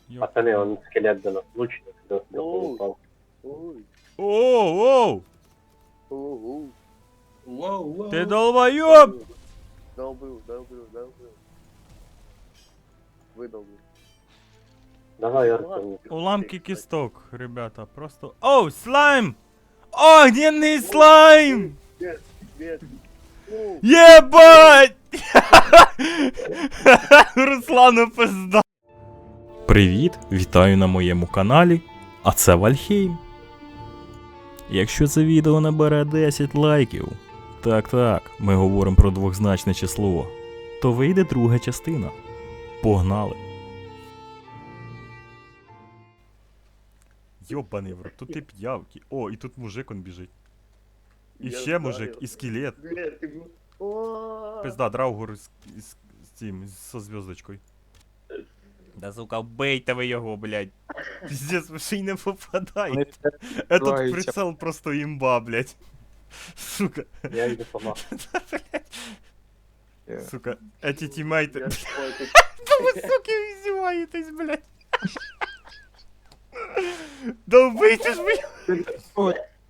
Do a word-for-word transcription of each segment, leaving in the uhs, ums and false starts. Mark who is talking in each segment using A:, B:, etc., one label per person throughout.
A: Ёп.
B: Пацаны, он скелет до нас лучник, до
C: Оу.
B: упал.
C: Ой,
A: Оу, оу!
C: оу,
D: Воу, воу.
A: Ти долбойоб!
C: долбил, долбил, долбил. Выдолбил.
B: Давай, Артем.
A: Уламки кісток, ребята, просто... Оу, слайм! Огненний слайм!
C: Нет, нет. Оу,
A: Єбать! Руслану пизда. Привіт, вітаю на моєму каналі, а це Вальхейм. Якщо це відео набере десять лайків, так-так, ми говоримо про двозначне число, то вийде друга частина. Погнали! Йобаний в рот, тут і п'явки. О, і тут мужик он біжить. І
C: я
A: ще мужик,
C: знаю.
A: і скелет.
C: Нет, ты... был- О,
A: Пизда, Драугур з, з, з цим, со зв'язочкою. Да сука, вбийте ви його, блядь. Пиздец, ви ще й не попадає. Этот
D: відбиваються.
A: прицел просто імба, блядь. Сука,
B: Я иду помог.
A: сука, эти тімейти.
C: я твой, ты-
A: Да ви, суки, издеваетесь, блядь. Да вбийте ж ви.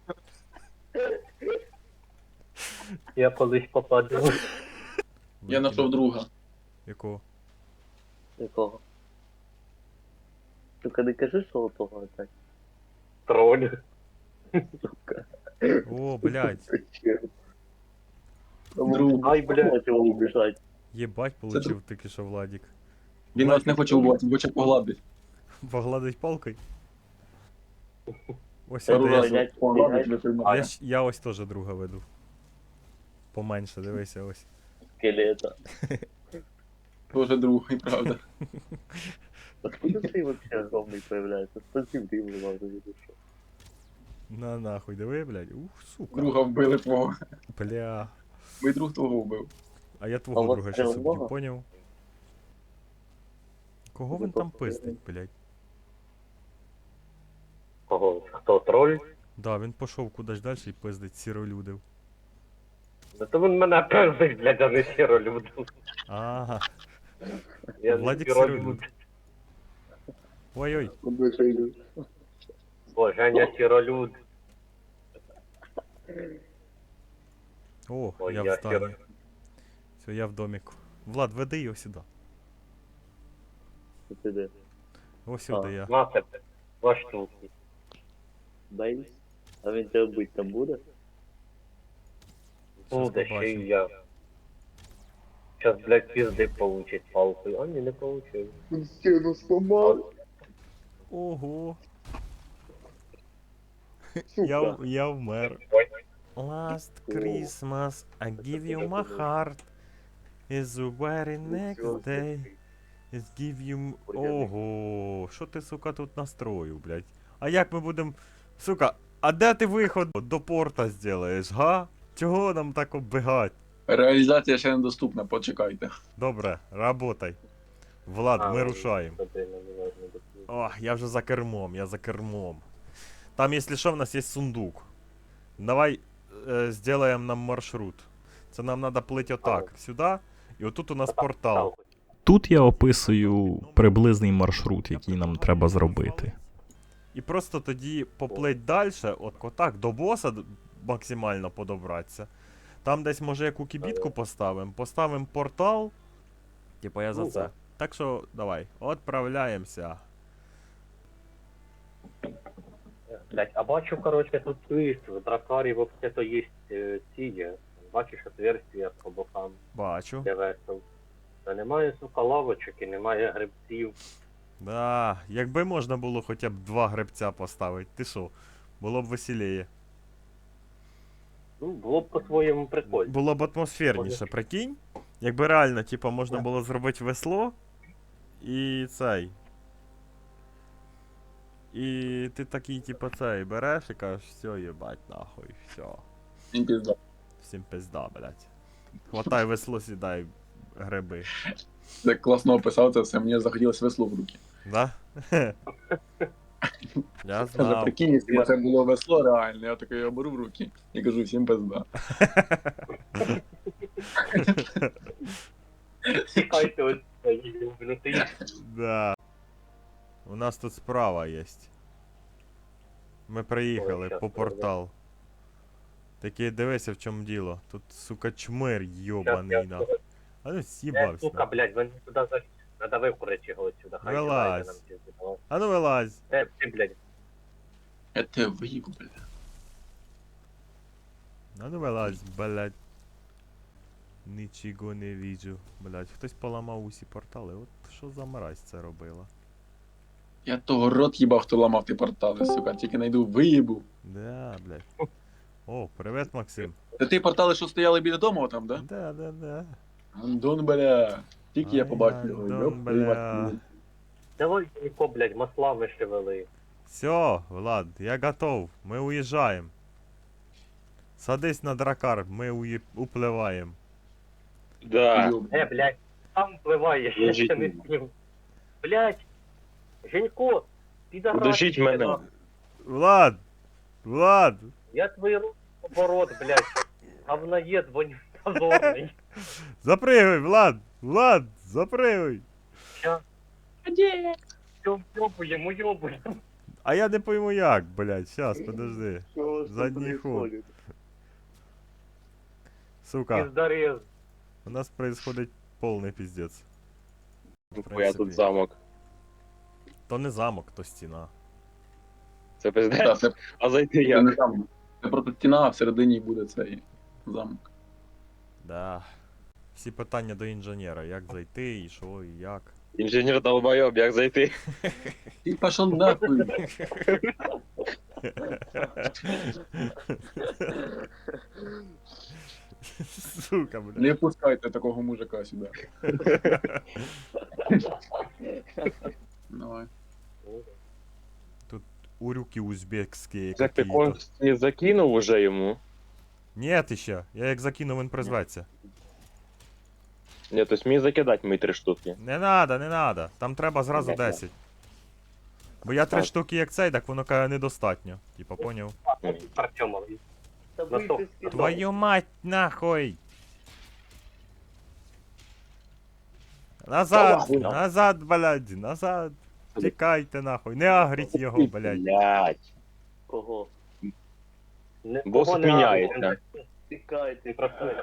B: Я колись попаду.
D: Я знайшов друга.
A: Якого?
C: Якого? Только не кажи, що у того опять.
B: Тролль.
C: Сука.
A: О, блядь.
C: Зачем?
D: Друг.
B: Ай, блядь.
C: Хотел убежать.
A: Єбать получив тільки що Владик.
D: Він нас не хоче вбивати, хоче погладити.
A: Погладить палкою. Ось
D: Я
A: я,
D: ругаю,
C: блядь,
D: погладить,
C: блядь.
D: не
A: я,
D: приймає.
A: ж- я ось теж друга веду. Поменше, дивися ось.
C: Скелета.
D: Тоже друг, і правда.
C: Откуда ты вообще огромный появляется? Спасибо, ты его главное не душил.
A: На нахуй, диви, блядь. Ух, сука.
D: Друга вбили твого.
A: Бля.
D: Мій друг твого вбив.
A: А я
C: А у
A: твого
C: вас
A: друга щас
C: стріл
A: уб'ю,
C: много?
A: поняв? Кого
C: Ви
A: він там
C: просто
A: пиздить, блядь?
B: Кого? Хто троль?
A: Да, він пішов кудись далі і пиздить сіролюдив.
B: Да то він мене пиздить, блядь, а не сіролюд.
A: Ага.
B: Я
A: Владик
B: не сіролюд.
A: Ой-ой.
C: Он вышел.
B: О, Женя сіролюд.
A: О,
B: Ой,
A: я
B: я
A: в зданні. Все, я в доміку. Влад, веди його сюди.
C: Ты да.
A: Ось сюди
C: А.
A: я.
B: На тебе. Два штуки.
C: Боюсь. А він тебе бить там буде?
A: Щас
B: Буде ще
A: побачимо.
B: й я. Сейчас, блядь, пизды получить палкой. А, не, не получил.
C: Він стіну сломав.
A: Ого.
C: Сука.
A: Я, я вмер.
B: Ой,
A: Last
C: О.
A: Christmas I give you my heart. Is the very next day. Is give you... m- Ого, що ти, сука, тут настроїв, блядь? А як ми будем... Сука, а де ти виход до порта зробиш, га? Чого нам так оббігать?
D: Реалізація ще недоступна, почекайте.
A: Добре, работай. Влад,
B: а,
A: ми рушаємо.
B: туди не можна допустити.
A: О, я вже за кермом, я за кермом. Там, якщо що, в нас є сундук. Давай е, зробимо нам маршрут. Це нам треба плити отак, сюди, і отут у нас портал. Тут я описую приблизний маршрут, який нам треба зробити. І просто тоді поплить далі, от отак, до боса д- максимально подобратися. Там десь може яку кібітку поставимо, поставимо портал. Типа я за
B: Ну,
A: це.
B: да.
A: Так що давай, відправляємося.
B: Блять, а бачу, короче, тут твист, в дракарі вообще-то є е, ці є. Бачиш отверстия по бокам,
A: Бачу.
B: де весел. Та немає, сука, лавочок і немає грибців.
A: Да, якби можна було хоча б два гребця поставити, ти що? Було б веселіє.
B: Ну, було б по-своєму прикольно.
A: Було б атмосферніше, прикинь? Якби реально, типа, можна було зробити весло і цей. І ти такий, типа, цей, береш і кажеш, все, їбать, нахуй, все.
D: Він пізда.
A: Всім пизда, блядь. Хватай весло, сідай гриби.
D: Ти класно описав це все, мені захотілося весло в руки.
A: Да? Я
D: Але
A: знав.
D: прикинь, якщо б це було весло реально, я таке його беру в руки і кажу, всім пизда.
B: Тікайте ось цієї юбнути.
A: Да. У нас тут справа є. Ми приїхали
B: Ой, щас,
A: по портал. Такий дивися в чому діло. Тут, сука, чмир йобаний на. А ну
B: Е,
A: с'їбався.
B: сука, блядь, він туди заліз. Надо викурити його отсюда. Хай
A: Вилазь.
B: сідає нам пізди, давай.
A: А ну вилазь.
B: Е, ти, блядь,
D: Я тебе виїбу, бля.
A: А ну вилазь, блядь. Нічого не віджу. Блядь, хтось поламав усі портали. От що за мразь це робила?
D: Я того рот їбав, хто ламав ті портали, сука, тільки найду виїбу.
A: Да, блядь. О, привет, Максим.
D: Це ті портали, що стояли біля дому там, да?
A: Да, да, да.
D: Андон, бля. Тільки я
A: Ай,
D: побачив його.
A: Андон,
D: ёб твою
A: бля.
D: мать.
B: давай, Ніко, блядь, масла вишивали.
A: Все, Влад, я готов. Мы уезжаем. Садись на дракар, мы уе... уплываем.
C: Да.
D: Ёб.
B: Е, блядь, там впливаєш, я ще не спів. Блядь, Женько, підарас.
C: Удушіть мене.
A: Влад! Влад!
B: Я твої руки оборот, блядь. Говноед, вонь позорний.
A: Запрыгивай, Влад! Влад! Запрыгивай!
B: Ща. Все, йобуємо, йобуємо.
A: А я не пойму як, блядь, сейчас, подожди.
C: Что у вас там
A: Задний ход.
C: происходит?
A: Сука,
B: Піздарез.
A: у нас происходит полный пиздец. В
C: Я
A: принципі.
C: тут замок.
A: То не замок, то стіна.
C: Це
D: Та,
C: пиздець.
D: Це
C: А зайти
D: це не
C: як?
D: замок. Це просто стіна, а всередині буде цей замок.
A: Да. Всі питання до інженера, як зайти, і що, і як.
C: Інженер долбойоб, як зайти?
D: Ти пішов нахуй.
A: Сука, блядь.
D: Не пускайте такого мужика сюди. Давай.
A: Урюки узбекські
C: Як ти
A: какие-то.
C: кость не закинув уже йому?
A: Нет ще, я як закинув, він призветься.
C: Ні, то есть мені закидати мої три штуки.
A: Не надо, не надо. Там треба зразу
C: Ні, ні.
A: десять. Бо я три
C: Так.
A: штуки як цей, так воно каже недостатньо. Типа, поняв?
B: Артемовий.
C: Та
B: На що?
A: Твою мать, нахуй! Назад,
C: нахуй, нахуй.
A: назад, блядь, назад. Тікайте нахуй, не агріть його, блядь.
C: Блять.
E: Кого?
B: Не-
C: Бос
B: кого не
C: міняється.
B: надо,
E: Тікайте,
B: Ти працюєш.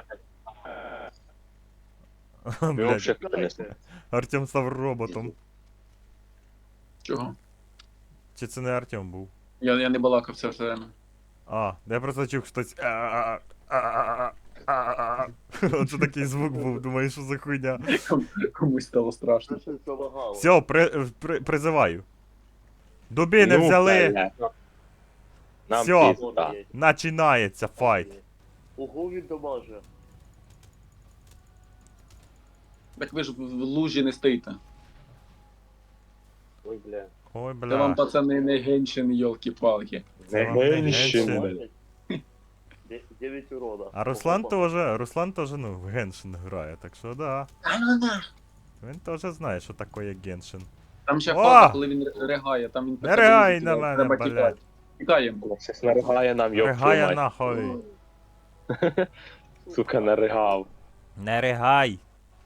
C: Його
A: Блядь,
C: взагалі понесли.
E: тікайте.
A: Артем став роботом.
D: Чого?
A: Чи це не Артем був?
D: Я, я не балакав все все время.
A: А, я просто чув хтось. А-а-а-а-а-а-а-а. Оце такий звук був, думаю, що за хуйня.
D: Ком- Комусь стало страшно.
E: Що щось залагало?
A: Все, при, при, призиваю. Дубини
C: Ну,
A: взяли,
C: блядь. Нам
A: Всьо.
C: пізда.
A: починається файт.
E: Ого, він домаже.
D: Так ви ж в в лужі не стоїте.
B: Ой, бля.
A: Ой,
D: Це вам,
A: бля.
D: пацани, не геншин, йолки-палки.
A: Це вам не
C: Генщин,
A: Геншин.
C: блядь.
E: Де- Дев'ять урода.
A: А Руслан
E: Ого.
A: тоже, Руслан тоже, ну, в Геншин грає, так що да. Він теж знає, що таке Геншин.
D: Там ще
A: О!
D: фаза, коли він р- ригає, там він...
A: Не ригай на мене,
D: Треба
A: блядь.
D: тікати. Тікаємо.
C: Щас наригає нам, йоп твою
A: Ригає
C: мать.
A: нахуй.
C: Сука, наригав.
A: Не ригай.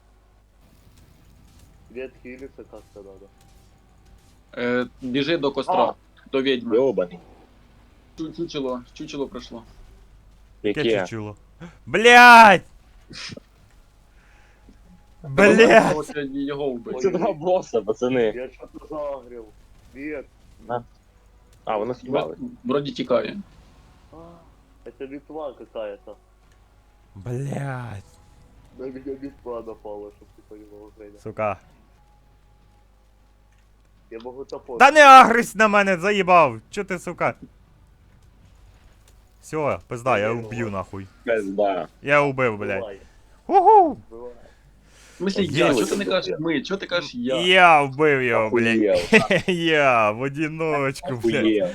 E: Відхилиться як-то надо.
D: Е, біжи до костра, до відьми.
C: Йобаний.
D: Чу- Чучело, чучело пройшло.
A: Яке
C: Яке?
A: чучуло? Блять! Блять!
D: Ось його вбити.
C: Це два боса, пацани.
E: Я що-то загрів. Вет.
C: А, воно с'їбали.
D: Вроді тікає.
E: А, это Литва какая-то.
A: Блять!
E: На меня Литва напала, чтоб ты понимал, Женя.
A: Сука.
E: Я могу топор.
A: Та не агрись на мене, заїбав! Чо ти, сука? Все, пизда, я уб'ю нахуй.
C: Пизда.
A: Я убив, блять.
E: Бывай,
A: Уху!
E: бывай.
D: В смислі я?
A: Є.
D: Чого ти не кажеш ми? Чого ти кажеш я?
A: Я вбив його, блять.
C: Охуєв.
A: Я в одиночку, блять.
C: Охуєв.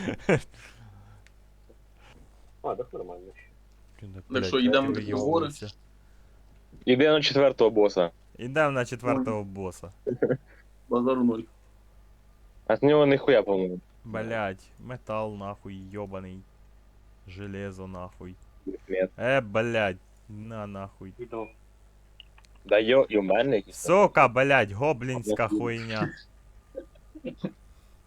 B: А, так нормально.
D: Так що, йдемо в гори?
C: Іде на четвертого боса.
A: Ідемо на четвертого боса.
D: Базару ноль.
C: А з нього ніхуя, по-моєму.
A: Блять, метал нахуй, йобаний. Железо нахуй.
C: Нет.
A: Е, блять, на нахуй.
B: Іду.
C: Да йо, і в мене якісь.
A: Сука, блять, гоблінська хуйня.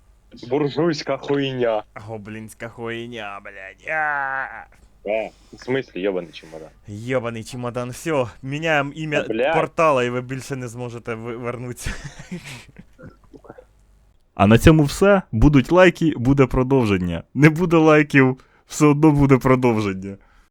C: Буржуйська хуйня.
A: Гоблінська хуйня, блядь. А!
C: Е, в смислі, йобаний чемодан.
A: Йобаний чемодан, все, міняємо ім'я
C: Та, блядь.
A: портала, і ви більше не зможете ви- вернутися. А на цьому все. Будуть лайки, буде продовження. Не буде лайків, все одно буде продовження.